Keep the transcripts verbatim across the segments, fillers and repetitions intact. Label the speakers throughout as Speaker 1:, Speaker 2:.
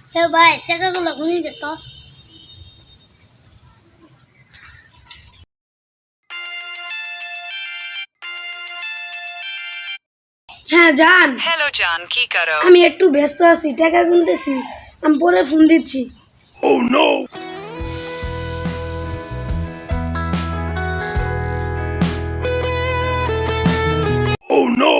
Speaker 1: হে ভাই টাকাগুলো গুনি দে তো। হ্যাঁ জান।
Speaker 2: হ্যালো জান, কি করো?
Speaker 1: আমি একটু ব্যস্ত আছি, টাকা গুনতেছি, আমি পরে ফোন দিচ্ছি।
Speaker 3: Oh no! Oh no!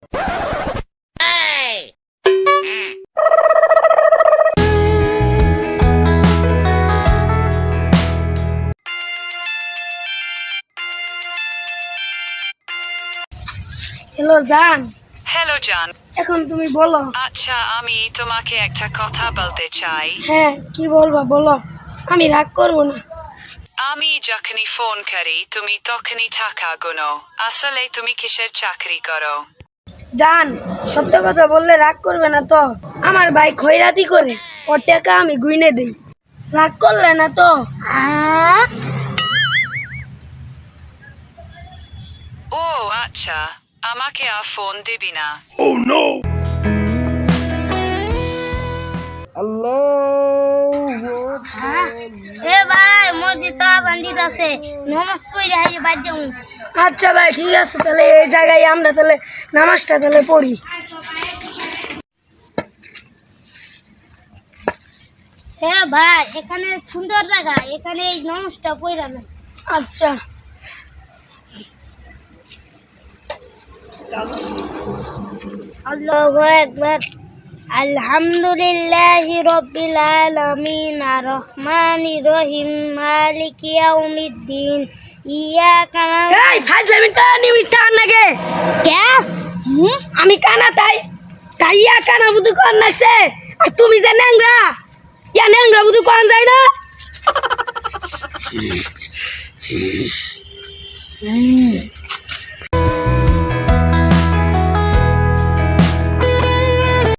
Speaker 1: Hello জান,
Speaker 2: হ্যালো জান,
Speaker 1: এখন তুমি বলো।
Speaker 2: আচ্ছা আমি তোমাকে একটা কথা বলতে চাই।
Speaker 1: হ্যাঁ কি বলবা বলো, আমি রাগ করবো না।
Speaker 2: আমি যখনই ফোন করি তুমি তখনই টাকা গুনো, আসলে তুমি কিসের চাকরি করো?
Speaker 1: জান সত্য কথা বললে রাগ করবে না তো? আমার ভাই খয়রাতি করে, ওর টাকা আমি গুইনে দিই, রাগ করলে না তো?
Speaker 2: ও আচ্ছা, আমাকে আর ফোন দিবি না।
Speaker 3: Oh no!
Speaker 1: এ ভাই মসজিদ তো আজান দিতেছে, নামাজ পড়ে হাই বাদ যাবো। আচ্ছা ভাই ঠিক আছে, তাহলে এই জায়গায় আমরা তাহলে নামাজটা তাহলে পড়ি। হ্যাঁ ভাই এখানে সুন্দর জায়গা, এখানে এই নামাজটা পড়া না। আচ্ছা আল্লাহু আকবার। আলহামদুলিল্লাহি রাব্বিল আলামিন আর রহমানির রহিম মালিকি ইয়াউমিদ্দিন ইয়াকা না'বুদু। এই ফাজলামি তো নিমিতা নাগে কে? হুম আমি কানা তাই তাইয়া কানা বুদু কোন নাকছে, আর তুমি যে নেংরা ইয়া নেংরা বুদু কোন যায় না।